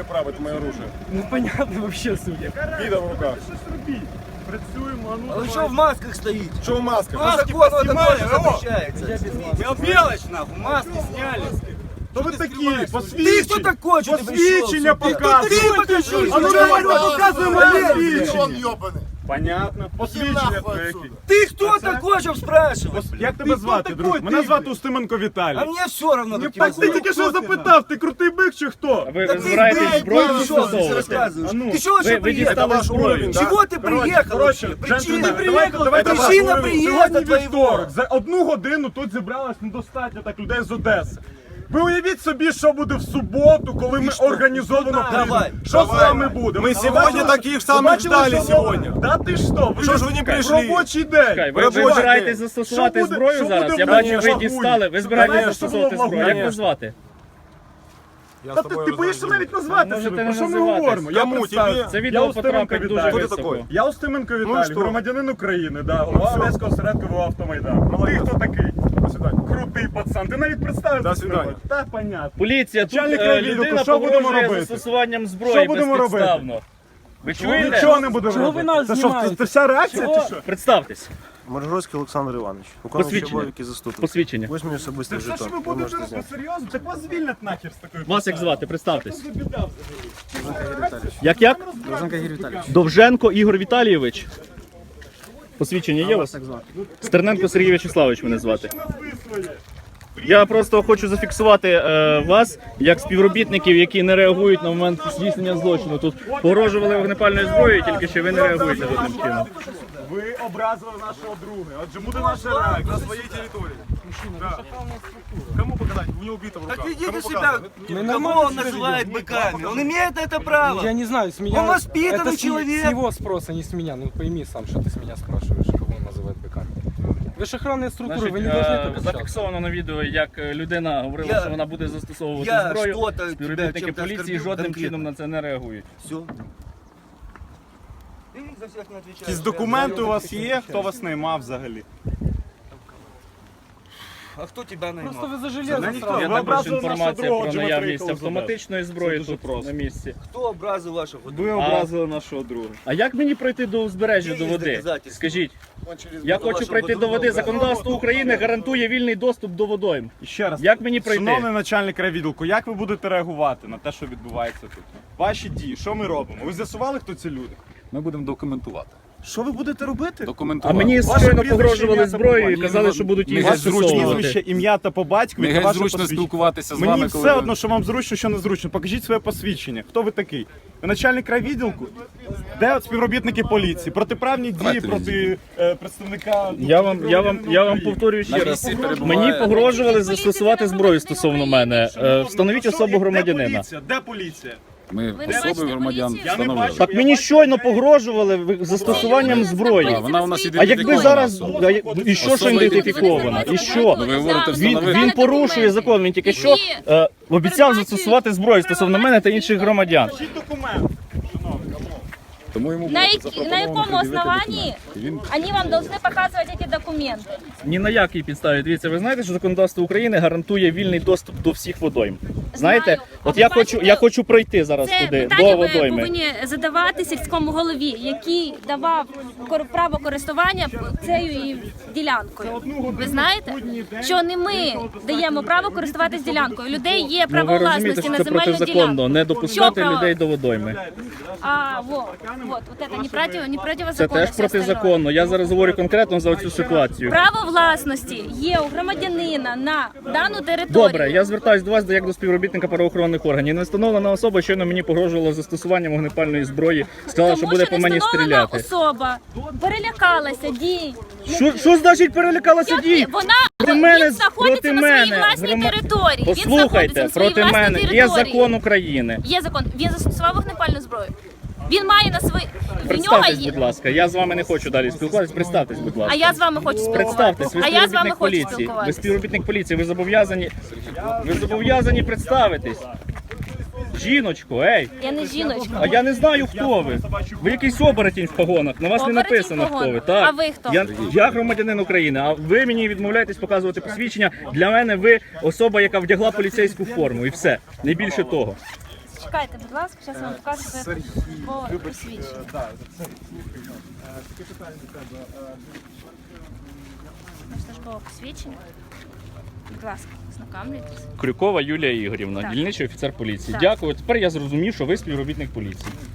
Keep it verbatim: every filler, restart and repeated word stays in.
право, это мое оружие. Ну понятно вообще, судя. Вида в руках. Працюємо, а ну А вы что в масках стоите? Что в масках? По закону это тоже запрещается. Мелочь нахуй, маски сняли. Кто вы такие? Ты кто Посвідчення. такой, что ты Посвідчення пришел? показуй. Ты покажи. А ну давай, показуй моє Он посвідчення. ёбаный. Понятно. Посвідчення нахуй твоє. отсюда. Ты кто такой, чтобы спрашивать? Як тебе звати, друг? Мене звати Устименко Віталій. А мне все равно, как тебя Так ти зовут. тільки що запитав, ти крутий бик чи хто? Ви, Да ви ты збираєтесь блядь, зброю пришел, ты застосовувати? рассказываешь. А ну, Ты чего вообще ви приехал? дістали ваш зброю. уровень, да? Чего ты приехал Коротше, вообще? Причина джентльмени, приехал, давайте ваш причина уровень. приезда Сьогодні твоего. вівторок. За одну годину тут зібралось недостатньо так людей з Одеси. Ви уявіть собі, що буде в суботу, коли ми організовано Давай. прийдемо. Що з вами буде? Мы сегодня таких самых ждали сегодня. Да ти що? Ви Що ж ви не прийшли? Робочий день. Чекай, ви, ви Робочий збираєтесь день. застосувати Що буде- зброю що зараз? буде Я в бачу, ви Лагуні? дістали. Ви збираєтесь Конечно, застосувати що буде в зброю. Як Лагуні? вас звати? Та ти, ти боїшся навіть назвати Можете себе, не про що ми називатись. говоримо? Я Кому? представився. Тебе? Це Я відео Устименко потрапить дуже Віталій. високо. Я Устименко Ну і Віталій, що? громадянин України, да, голова Одеського осередку Автомайдан. Ти хто такий? До свидания. Крутий пацан, ти навіть представився. До свидання. не хочеш. Та, понятно. Поліція, тут Начальник е, райвідділку, людина що будемо погрожує робити? застосуванням зброї Що будемо робити? безпідставно. Ви чуєте? Нічого не буде Чого ви робити. нас Це що, знімаєте? це вся реакція чи що? Представтесь. Моржовський Олександр Іванович. Виконуючий Посвідчення. обов'язки заступник. Посвідчення. Ось мені особистий Це що ж жетон. ви Ви будете можете робити? зняти. Серйозно? Так вас звільнять нахер з такою Вас як посадою. звати? Представтесь. Що за біда взагалі? Як як? Довженко Ігор Віталійович. Довженко Ігор Віталійович. Посвідчення є у вас? Стерненко Сергій Вячеславович мене звати. Назви своє. Я просто хочу зафіксувати е, вас як співробітників, які не реагують на момент здійснення злочину. Тут погрожували вогнепальною зброєю, тільки що ви не реагуєте жодним чином. Ви образили нашого друга. Отже, буде наша реакція. На своей территории. Да. Кому показать? У него убито в руках. Так ведите Кому себя. показывать? Мы Кого нормально он себя называет ведем. быками? Он имеет это право. Я не знаю, с меня... Он воспитанный это с, человек. с его спроса, не с меня. Ну пойми сам, что ты с меня спрашиваешь, кого он называет быками. Вы же охранные структуры, Значить, вы не должны е, так общаться. зафіксовано на відео, як е, людина говорила, Я- що вона буде застосовувати я зброю. що-то тебе Співробітники чим-то поліції оскорбив жодним конкретно. чином на це не реагують. Все. Ты за всех не отвечаешь. Якісь документи у вас є? Хто вас наймав взагалі? А кто тебя наймал? Просто вы за железо Да никто. сразу. Є Ви також образили інформація нашого друга, про отже, ми наявність приїхали з автоматичної зброї Це дуже тут просто. на місці. Кто образил вашего? Ви образили нашого друга. А як мені пройти до узбережжя Є до води? доказательства. Скажіть, Он через я вашого хочу пройти до друга води. образили. Законодавство України гарантує вільний доступ до водойм. І ще раз. Як мені пройти? Шановний начальник райвідділку, як ви будете реагувати на те, що відбувається тут? Ваші дії, що ми робимо? Ви з'ясували, хто ці люди? Ми будемо документувати. Що ви будете робити? А Документувати. мені Ваше щойно прізвище, погрожували ім'я та зброєю і по- казали, Ні, що будуть не її геть зручно. застосовувати. Прізвище, ім'я та по батькові Не та геть ваше зручно посвідчення. спілкуватися з Мені вами, все коли ви- одно, що вам зручно, що не зручно. Покажіть своє посвідчення. Хто ви такий? Ви начальник райвідділку? Де от співробітники поліції? Протиправні дії Давайте проти е, представника... Я вам, я вам, я вам повторюю ще На раз. місці перебуває- Мені погрожували застосувати зброю стосовно мене. Е, Встановіть особу Де громадянина. поліція? Де поліція? Ми Ви не особи бачите громадян поліцію? Я не встановили. бачу. Так мені щойно погрожували ви- застосуванням зброї. А вона у нас А ідентифікована якби зараз особа. а я- і що ж Особа ідентифікована? І що? Ну, ви говорите, Він, встановити. він порушує закон. Він тільки що е, обіцяв застосувати зброю стосовно мене та інших громадян. Покажіть документ. Тому йому На, було як- запропоновано на якому пред'явити основании документи. І він они вам должны показывать эти документы? Ні на якій підставі. Дивіться, ви знаєте, що законодавство України гарантує вільний доступ до всіх водойм. Знаєте, от я хочу, я хочу пройти зараз Це туди, питання до ви водойми. повинні задавати сільському голові, який давав кор- право користування цією ділянкою. Ви знаєте, що не ми даємо право користуватись ділянкою. У людей є Ну, право ви розумієте, власності що на це земельну протизаконно, ділянку. не Що допускати право? людей до водойми. А, вот, вот, вот это не против, не Це противозаконно. теж все остальное. протизаконно. Я зараз говорю конкретно за цю ситуацію. Право власності є у громадянина на дану територію. Добре, я звертаюся до вас як до співробітника правоохоронних органів. Не встановлена особа щойно мені погрожувала застосуванням вогнепальної зброї. Сказала, Тому що буде що по мені невстановлена стріляти. особа перелякалася дій. Що, що значить перелякалася Як дій? Вона Проти мене, він знаходиться проти на мене, своїй власній грома- території. Він знаходиться Послухайте, на своїй проти власній мене є території. закон України. Є закон. Він застосував вогнепальну зброю. Він має на свої. В нього Представтесь, є. будь ласка. Я з вами не хочу далі спілкуватися. Представтесь, будь А ласка. я з вами хочу спілкуватися. Представтесь, ви А я з вами співробітник хочу поліції. Ви спілкуватися. співробітник поліції, ви зобов'язані. Ви зобов'язані представитись. Жіночко, ей! Я не жіночка. А я не знаю, хто ви. Ви якийсь оборотень в погонах. На вас не Оборотень написано, в хто погонах. ви. Так. А ви хто? Я, я громадянин України, а ви мені відмовляєтесь показувати посвідчення. Для мене ви особа, яка вдягла поліцейську форму. І все. Не більше того. Чекайте, будь ласка, зараз я вам покажу своє Сергій, вибач, посвідчення. е, да, Сергій, слухай, е, таке питання до тебе. е, Наше службове посвідчення. Будь ласка, знакомлюйтесь. Крюкова Юлія Ігорівна, Так. дільничий офіцер поліції. Так. Дякую. Тепер я зрозумів, що ви співробітник поліції.